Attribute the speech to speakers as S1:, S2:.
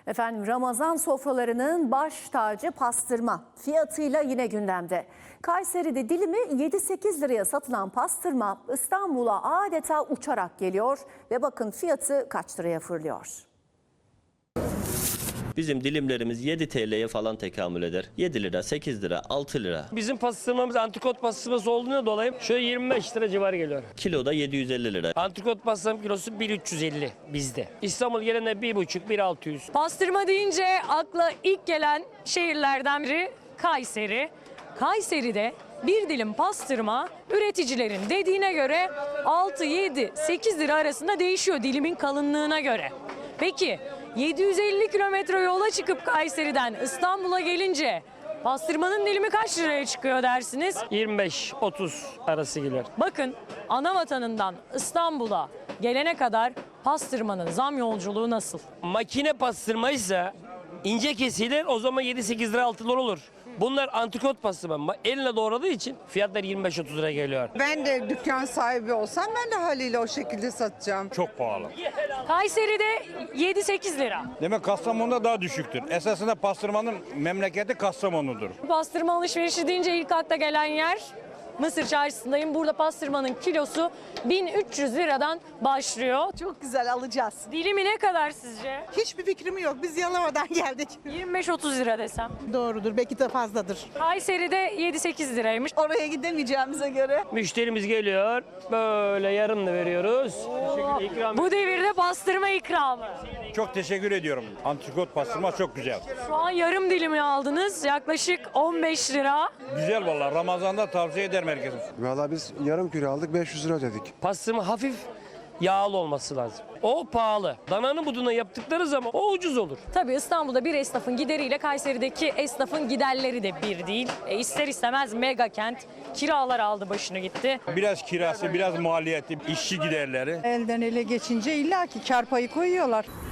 S1: Efendim Ramazan sofralarının baş tacı pastırma fiyatıyla yine gündemde. Kayseri'de dilimi 7-8 liraya satılan pastırma İstanbul'a adeta uçarak geliyor ve bakın fiyatı kaç liraya fırlıyor.
S2: Bizim dilimlerimiz 7 TL'ye falan tekamül eder. 7 lira, 8 lira, 6 lira.
S3: Bizim pastırmamız antrikot pastırması olduğuna dolayı şöyle 25 lira civarı geliyor.
S2: Kiloda 750 lira.
S3: Antrikot pastırma kilosu 1.350 bizde. İstanbul gelene 1.5, 1.600.
S4: Pastırma deyince akla ilk gelen şehirlerden biri Kayseri. Kayseri'de bir dilim pastırma üreticilerin dediğine göre 6, 7, 8 lira arasında değişiyor dilimin kalınlığına göre. Peki 750 kilometre yola çıkıp Kayseri'den İstanbul'a gelince pastırmanın dilimi kaç liraya çıkıyor dersiniz?
S3: 25-30 arası geliyor.
S4: Bakın ana vatanından İstanbul'a gelene kadar pastırmanın zam yolculuğu nasıl?
S3: Makine pastırmaysa ince kesilir, o zaman 7-8 lira 6 lira olur. Bunlar antrikot pastırma. Elle doğradığı için fiyatlar 25-30 lira geliyor.
S5: Ben de dükkan sahibi olsam ben de haliyle o şekilde satacağım.
S6: Çok pahalı.
S4: Kayseri'de 7-8 lira.
S6: Demek Kastamonu'da daha düşüktür. Esasında pastırmanın memleketi Kastamonu'dur.
S4: Pastırma alışverişi deyince ilk akla gelen yer Mısır Çarşısı'ndayım. Burada pastırmanın kilosu 1300 liradan başlıyor.
S7: Çok güzel, alacağız.
S4: Dilimi ne kadar sizce?
S7: Hiçbir fikrim yok. Biz Yalova'dan geldik.
S4: 25-30 lira desem.
S7: Doğrudur. Belki de fazladır.
S4: Kayseri'de 7-8 liraymış.
S7: Oraya gidemeyeceğimize göre.
S3: Müşterimiz geliyor, böyle yarım da veriyoruz. İkram.
S4: Bu devirde pastırma ikramı.
S6: Çok teşekkür ediyorum. Antrikot pastırma çok güzel.
S4: Şu an yarım dilimi aldınız. Yaklaşık 15 lira.
S6: Güzel vallahi. Ramazan'da tavsiye ederim herkese.
S8: Valla biz yarım kilo aldık 500 lira ödedik.
S3: Pastırma hafif yağlı olması lazım. O pahalı. Dananın buduna yaptıkları zaman o ucuz olur.
S4: Tabii İstanbul'da bir esnafın gideriyle Kayseri'deki esnafın giderleri de bir değil. İster istemez mega kent. Kiralar aldı başını gitti.
S6: Biraz kirası, biraz maliyeti, işçi giderleri.
S7: Elden ele geçince illaki kar payı koyuyorlar.